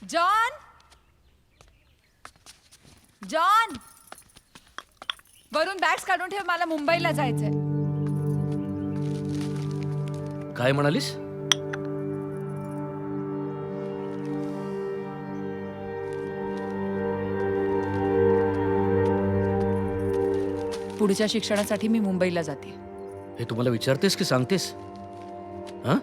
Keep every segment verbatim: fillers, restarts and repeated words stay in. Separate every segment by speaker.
Speaker 1: John John वरून bags काढून ठेव, मला मुंबईला जायचंय.
Speaker 2: काय म्हणालीस?
Speaker 1: पुढच्या शिक्षणासाठी मी मुंबईला जाते.
Speaker 2: हे तुम्हाला विचारतेस की सांगतेस? हा?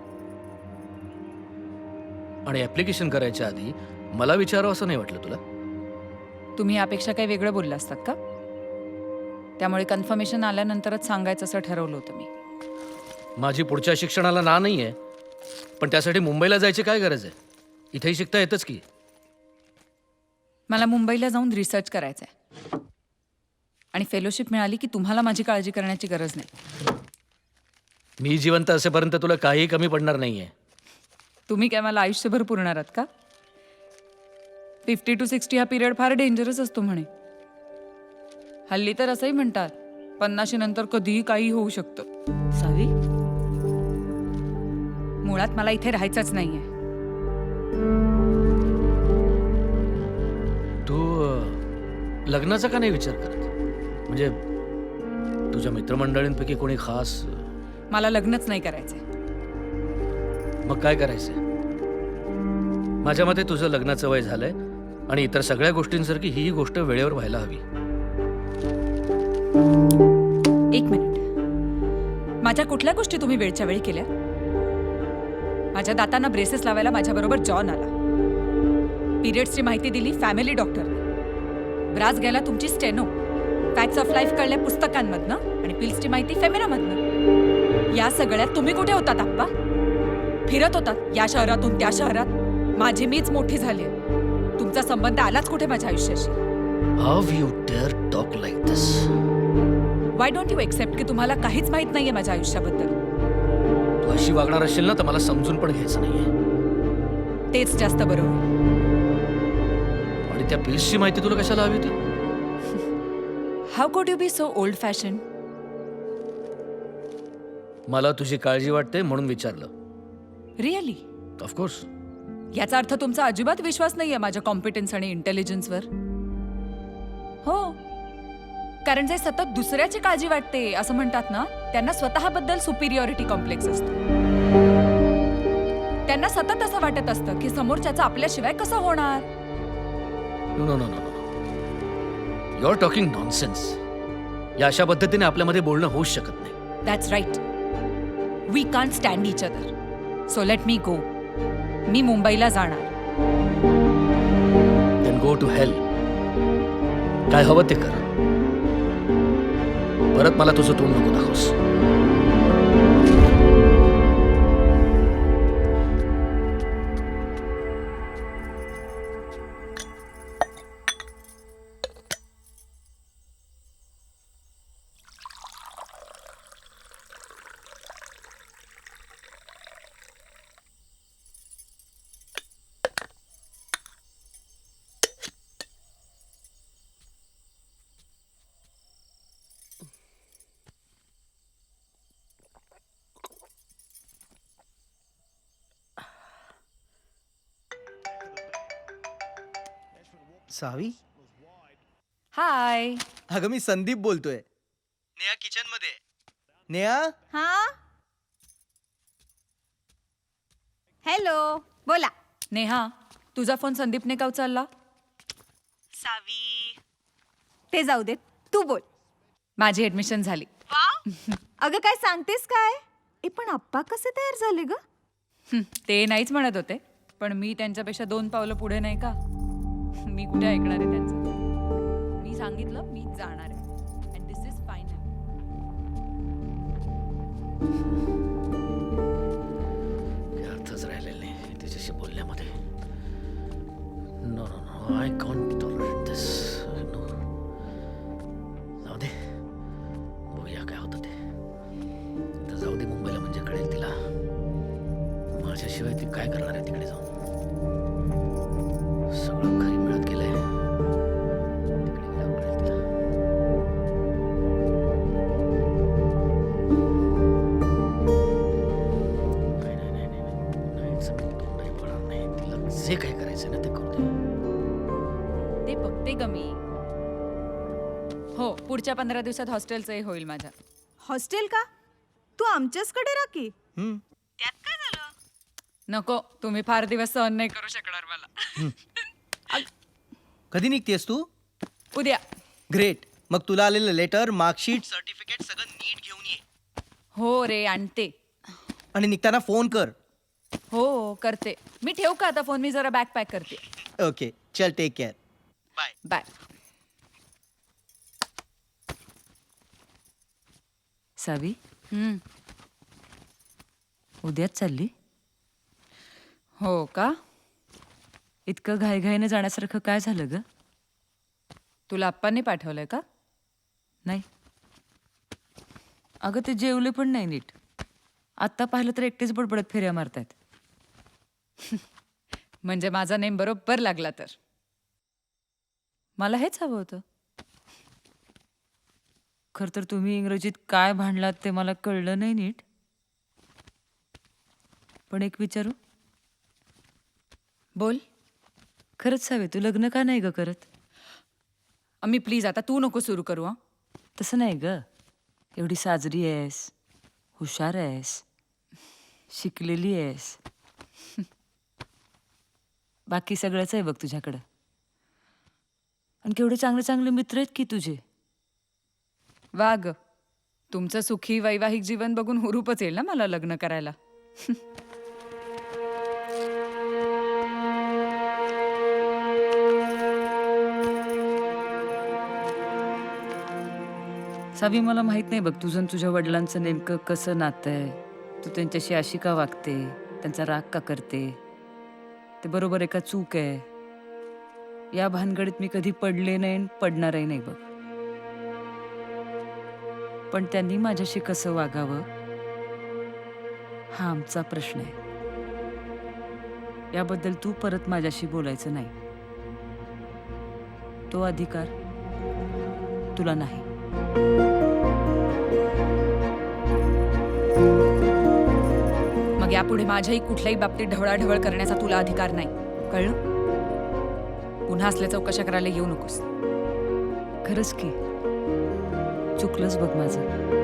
Speaker 2: आणि ऍप्लिकेशन करायच्या आधी मला विचारावं असं नाही वाटलं तुला?
Speaker 1: तुम्ही यापेक्षा काही वेगळं बोलला असतात का? त्यामुळे कन्फर्मेशन आल्यानंतरच सांगायचं असं ठरवलं होतं मी.
Speaker 2: माझी पुढच्या शिक्षणाला ना नाही आहे, पण त्यासाठी मुंबईला जायची काय गरज आहे? इथेही शिकता येतच की.
Speaker 1: मला मुंबईला जाऊन रिसर्च करायचा आहे आणि फेलोशिप मिळाली की तुम्हाला माझी काळजी करण्याची गरज नाही.
Speaker 2: मी जिवंत असेपर्यंत तुला काही कमी पडणार नाहीये.
Speaker 1: तुम्ही काय मला आयुष्यभर पुरणार आहात का? फिफ्टी टू सिक्स्टी हा पिरियड फार डेंजरस असतो म्हणे. हल्ली तर असंही म्हणतात पन्नाशी नंतर कधीही काही होऊ शकतं. सावी, मुळात मला इथे राहायचंच नाहीये.
Speaker 2: तू अ, लग्नाचा का नाही विचार करत? म्हणजे तुझ्या मित्रमंडळींपैकी कोणी खास?
Speaker 1: मला लग्नच नाही करायचंय.
Speaker 2: मग काय करायचंय? माझ्या मते तुझं लग्नाचं वय झालंय आणि इतर सगळ्या गोष्टींसारखी ही गोष्ट वेळेवर व्हायला हवी.
Speaker 1: एक मिनिट, माझ्या कुठल्या गोष्टी तुम्ही वेळच्या वेळी केल्या? माझ्या दातांना ब्रेसेस लावायला माझ्याबरोबर जॉन आला. पिरियड्सची माहिती दिली फॅमिली डॉक्टरने. ब्रास घ्यायला तुमची स्टेनो. फॅक्ट्स ऑफ लाईफ कळल्या पुस्तकांमधनं आणि पिल्सची माहिती फेमिनामधनं. या सगळ्यात तुम्ही कुठे होतात आप्पा? फिरत होतात या शहरातून त्या शहरात. माझी मीच मोठी झाली. तुमचा संबंध आलाच कुठे माझ्या आयुष्याशी?
Speaker 2: How you dare talk like this?
Speaker 1: Why don't you accept की तुम्हाला काहीच माहित नाहीये माझ्या आयुष्याबद्दल?
Speaker 2: तू अशी वागणार असेल ना तर मला समजून पण घ्यायचं नाहीये.
Speaker 1: तेच जास्त बरं होईल.
Speaker 2: आणि त्या पिल्सची माहिती तुला कशाला हवी होती?
Speaker 1: How could you be so old fashion?
Speaker 2: मला तुझी काळजी वाटते म्हणून विचारलं.
Speaker 1: रिअली?
Speaker 2: ऑफकोर्स.
Speaker 1: याचा अर्थ तुमचा अजिबात विश्वास नाहीये माझ्या कॉम्पिटन्स आणि इंटेलिजन्सवर? हो, कारण जे सतत दुसऱ्याची काळजी वाटते असं म्हणतात ना, त्यांना स्वतःबद्दल सुपिरियॉरिटी कॉम्प्लेक्स असतो. त्यांना सतत असं वाटत असतं की समोरच्याचं आपल्याशिवाय कसं होणार.
Speaker 2: No no no no you are talking nonsense. या अशा पद्धतीने आपल्यामध्ये बोलणं होऊच शकत नाही.
Speaker 1: That's right. We can't stand each other. So let me go. मी मुंबईला जाणार.
Speaker 2: Then go to hell. काय हवं ते कर. परत मला तुझं तोंड नको दाखवस.
Speaker 3: सावी,
Speaker 1: हाय.
Speaker 3: अगं मी संदीप बोलतोय. नेहा किचन मध्ये. नेहा,
Speaker 4: हा, हॅलो, बोला.
Speaker 1: नेहा, तुझा फोन संदीपने का उचलला?
Speaker 4: सावी, ते जाऊ देत, तू बोल.
Speaker 1: माझी ऍडमिशन झाली.
Speaker 4: अगं काय सांगतेस काय? ए पण आप्पा कसे तयार झाले ग?
Speaker 1: हं, ते नाहीच म्हणत होते, पण मी त्यांच्यापेक्षा दोन पावलं पुढे नाही का? मी कुठे ऐकणार आहे त्यांचं? मी सांगितलं मी जाणार आहे अँड दिस इज फायनल.
Speaker 2: अर्थच राहिलेला नाही तिच्याशी बोलण्यामध्ये. No no no I can't tolerate this. No, जाऊ दे, बघूया काय होतं ते. तर जाऊ दे, मुंबईला म्हणजे कळेल तिला. माझ्याशिवाय ती काय करणार आहे तिकडे जाऊन? सगळं घरी मिळत गेलंय. तिकडे गेल्यावर कळेल तिला. नाही नाही नाही नाही नाही, नाही जमेल, तो नाही पडणार नाही तिला. जे काय करायचं ना ते करू दे.
Speaker 1: ते बघते ग मी. हो, पुढच्या पंधरा दिवसात हॉस्टेलचंही होईल माझ्या.
Speaker 4: हॉस्टेल का? तू आमच्याचकडे राह की.
Speaker 3: हम्म.
Speaker 4: त्यात काय झालं?
Speaker 1: नको, तुम्ही फार दिवस सहन नाही करू शकणार मला.
Speaker 3: कधी निघतेस तू?
Speaker 1: उद्या.
Speaker 3: ग्रेट. मग तुला आलेलं लेटर, मार्कशीट, सर्टिफिकेट सगळं नीट घेऊन ये.
Speaker 1: हो रे, आणते.
Speaker 3: आणि निघताना फोन कर.
Speaker 1: हो, करते. मी ठेवू का आता फोन? मी जरा बॅग पॅक करते.
Speaker 3: ओके, चल take care. Bye.
Speaker 1: Bye.
Speaker 5: Savi,
Speaker 1: हम्म.
Speaker 5: उद्याच चालली?
Speaker 1: हो का?
Speaker 5: इतकं घाईघाईने जाण्यासारखं काय झालं ग?
Speaker 1: तुला आप्पांनी पाठवलंय का?
Speaker 5: नाही. अगं ते जेवले पण नाही नीट. आत्ता पाहिलं तर एकटेच बडबडत फेऱ्या मारतायत.
Speaker 1: म्हणजे माझा नेम बरोबर लागला तर.
Speaker 5: मला हेच हवं होतं. खरं तर तुम्ही इंग्रजीत काय भांडलात ते मला कळलं नाही नीट. पण एक विचारू?
Speaker 1: बोल.
Speaker 5: खरंच सावे, तू लग्न का नाही ग करत?
Speaker 1: अम्मी प्लीज, आता तू नको सुरू करू हा.
Speaker 5: तसं नाही ग. एवढी साजरी आहेस, हुशार आहेस, शिकलेली आहेस. बाकी सगळंच आहे बघ तुझ्याकडं. आणि केवढे चांगले चांगले मित्र आहेत की तुझे.
Speaker 1: वा ग, तुमचं सुखी वैवाहिक जीवन बघून हुरूपच येईल ना मला लग्न करायला.
Speaker 5: सावी, मला माहित नाही बघ तुझं आणि तुझ्या वडिलांचं नेमकं कसं नातं आहे. तू त्यांच्याशी अशी का वागते, त्यांचा राग का करते, ते बरोबर आहे का चूक आहे, या भानगडीत मी कधी पडले नाही आणि पडणारही नाही बघ. पण त्यांनी माझ्याशी कसं वागावं हा आमचा प्रश्न आहे. याबद्दल तू परत माझ्याशी बोलायचं नाही. तो अधिकार तुला नाही.
Speaker 1: मग यापुढे माझ्याही कुठल्याही बाबतीत ढवळाढवळ करण्याचा तुला अधिकार नाही, कळलं? पुन्हा असल्या चौकशा करायला येऊ नकोस.
Speaker 5: खरंच की चुकलंच बघ माझं.